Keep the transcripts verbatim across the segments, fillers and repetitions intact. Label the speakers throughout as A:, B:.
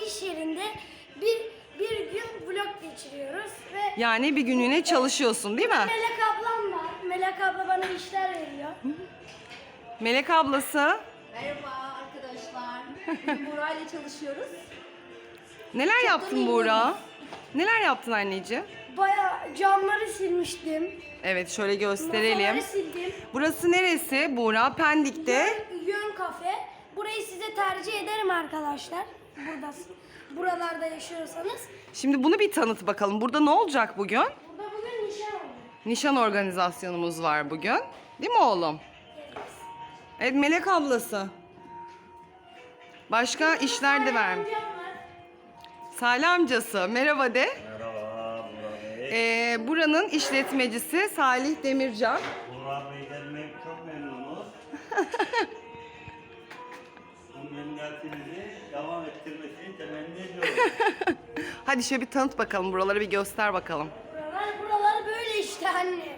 A: iş yerinde bir bir gün vlog geçiriyoruz ve
B: Yani bir günlüğüne çalışıyorsun değil mi?
A: Melek ablam var. Melek abla bana işler veriyor.
B: Melek ablası.
C: Merhaba arkadaşlar. Bugün Buğra ile çalışıyoruz.
B: Neler
C: Çok da
B: yaptın
C: memnunuz.
B: Buğra? Neler yaptın anneciğim?
A: Bayağı camları silmiştim.
B: Evet, şöyle gösterelim.
A: Masaları sildim.
B: Burası neresi Buğra? Pendik'te.
A: Yön, Yön kafe. Burayı size tercih ederim arkadaşlar. Burada, buralarda yaşıyorsanız.
B: Şimdi bunu bir tanıt bakalım. Burada ne olacak bugün?
A: Burada bugün nişan oldu.
B: Nişan organizasyonumuz var bugün. Değil mi oğlum? Evet, Melek ablası. Başka işler de vermiş.
A: Amcam var.
B: Salih amcası. Merhaba de.
D: Merhaba Burak Bey.
B: Ee, buranın işletmecisi Salih Demircan.
D: Burak Bey gelmek çok memnunuz. Bu memnuniyetimizi devam ettirmesini temenni ediyoruz.
B: Hadi şöyle bir tanıt bakalım. Buraları bir göster bakalım.
A: Buralar, buralar böyle işte anne.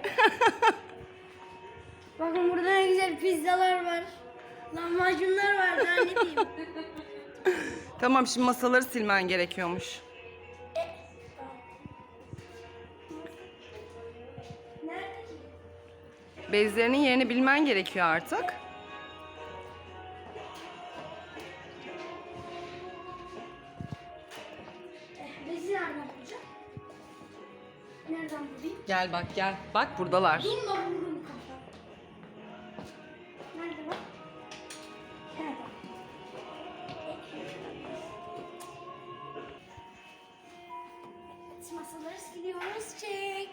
A: Bakın burada ne güzel pizzalar var. Lahmacunlar var. Daha ne diyeyim?
B: Tamam, şimdi masaları silmen gerekiyormuş.
A: Nerede ki?
B: Bezlerinin yerini bilmen gerekiyor artık.
A: Eh, bezi nereden bulacağım? Nereden bulayım?
B: Gel bak gel. Bak buradalar.
A: Bununla vururum kafa. Nerede bak? He bak. Evet, masaları siliyoruz. Çek.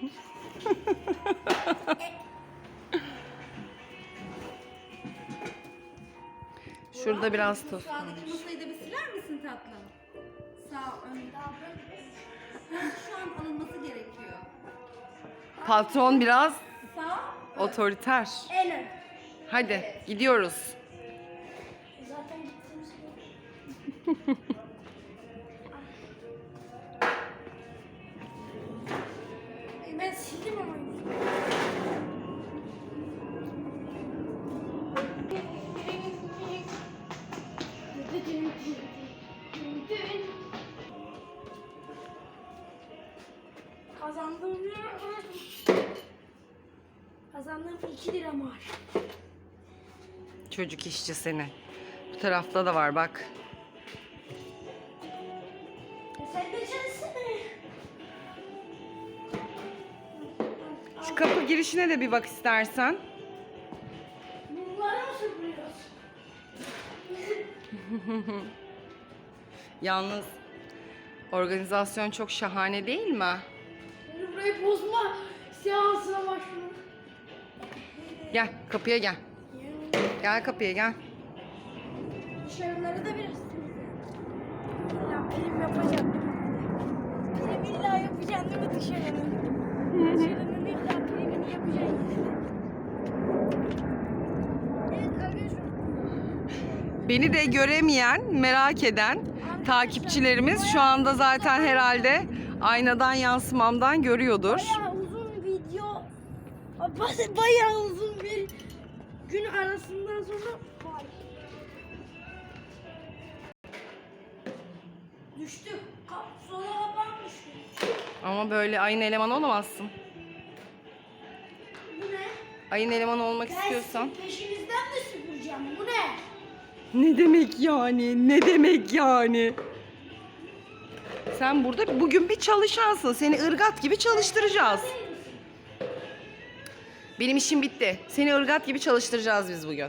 B: Şurada biraz toz.
C: Sağdaki masayı da bir siler misin tatlım? Sağ ön. Şu an alınması gerekiyor.
B: Patron biraz
C: Sağ.
B: otoriter.
A: En ön.
B: Hadi gidiyoruz.
A: Zaten gittiğimiz gibi. Ay, ben sildim ama. Kazandım. Kazandığım iki lira maaş.
B: Çocuk işçi seni. Bu tarafta da var bak.
A: E sen de çalışsana.
B: Şu kapı girişine de bir bak istersen.
A: Bunları mı süpürüyoruz?
B: Yalnız organizasyon çok şahane değil mi?
A: Beni burayı bozma seansına başlıyorum.
B: Gel kapıya gel. Gel kapıya gel.
A: Dışarıları da biraz temizleyelim. İlla prim yapacağım değil mi? Prim illa yapacaksın değil mi dışarının? Dışarının illa primini yapacaksın yine de. Evet arkadaşlar.
B: Beni de göremeyen, merak eden takipçilerimiz şu anda zaten herhalde aynadan yansımamdan görüyordur.
A: Bayağı uzun video. Ba- Bayağı uzun bir gün arasından sonra vay. Düştü. Kap, sola kapan düştü.
B: Ama böyle ayın elemanı olamazsın.
A: Bu ne?
B: Ayın elemanı olmak
A: Ben
B: istiyorsan.
A: sizin peşinizden mi süpüreceğim? Bu ne?
B: Ne demek yani? Ne demek yani? Sen burada bugün bir çalışansın. Seni ırgat gibi çalıştıracağız. Benim işim bitti. Seni ırgat gibi çalıştıracağız biz bugün.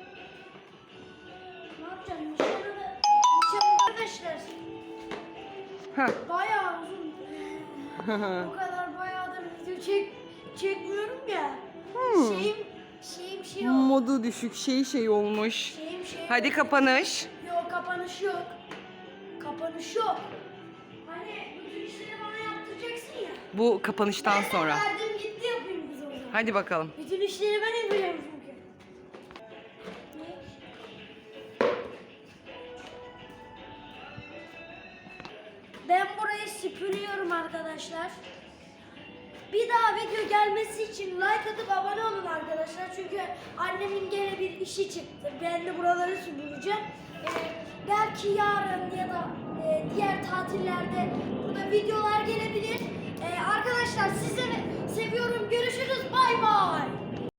A: Ne yapacağım? Nişanı da... Nişanı arkadaşlar.
B: Heh.
A: Bayağı uzun. O kadar bayağıdır video çek, çekmiyorum ya.
B: Hmm.
A: Şeyim, şeyim şey oldu.
B: Modu düşük şey şey olmuş.
A: Şeyim şey
B: Hadi kapanış.
A: Yok kapanış yok. Kapanış yok. Hani bütün işleri bana yaptıracaksın ya.
B: Bu kapanıştan
A: Ben
B: sonra.
A: de verdim gitti yapayım biz o zaman.
B: Hadi bakalım.
A: Bütün işleri ben yapacağım çünkü. Ne? Ben burayı süpürüyorum arkadaşlar. Bir daha video gelmesi için like atıp abone olun arkadaşlar. Çünkü annemin gene bir işi çıktı. Ben de buraları süpüreceğim. Ee, gel belki yarın ya da e, diğer tatillerde burada videolar gelebilir. E, arkadaşlar size